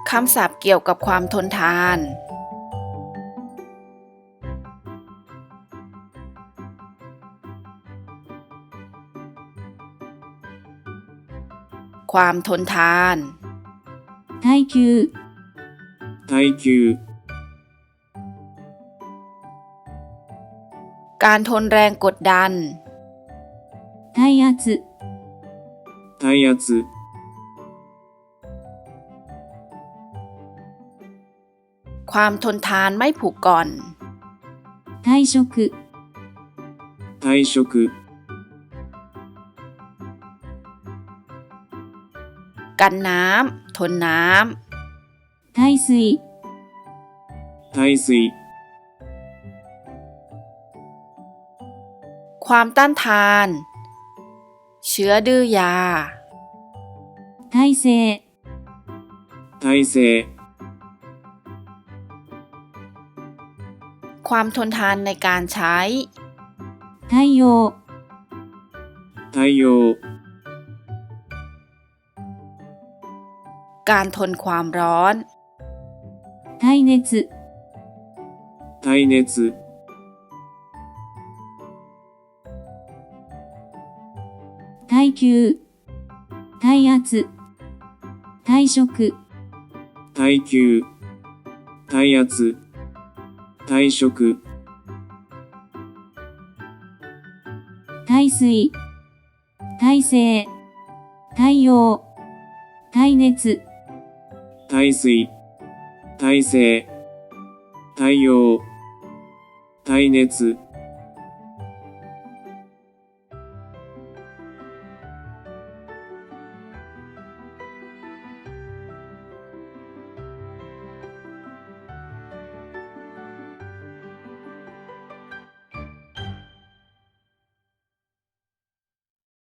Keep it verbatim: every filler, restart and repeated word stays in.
คำศัพท์เกี่ยวกับความทนทาน ความทนทาน耐久耐久การทนแรงกดดัน耐圧耐圧ความทนทานไม่ผูกก่อน退職退職กันน้ำทนน้耐水耐水ำความต้านทาน เชื้อดื้อยา耐性耐性ความทนทานในการใช้太陽太陽การทนความร้อน耐熱耐熱耐久耐圧退職耐久耐圧退職耐水耐性太陽耐熱耐水耐性太陽耐熱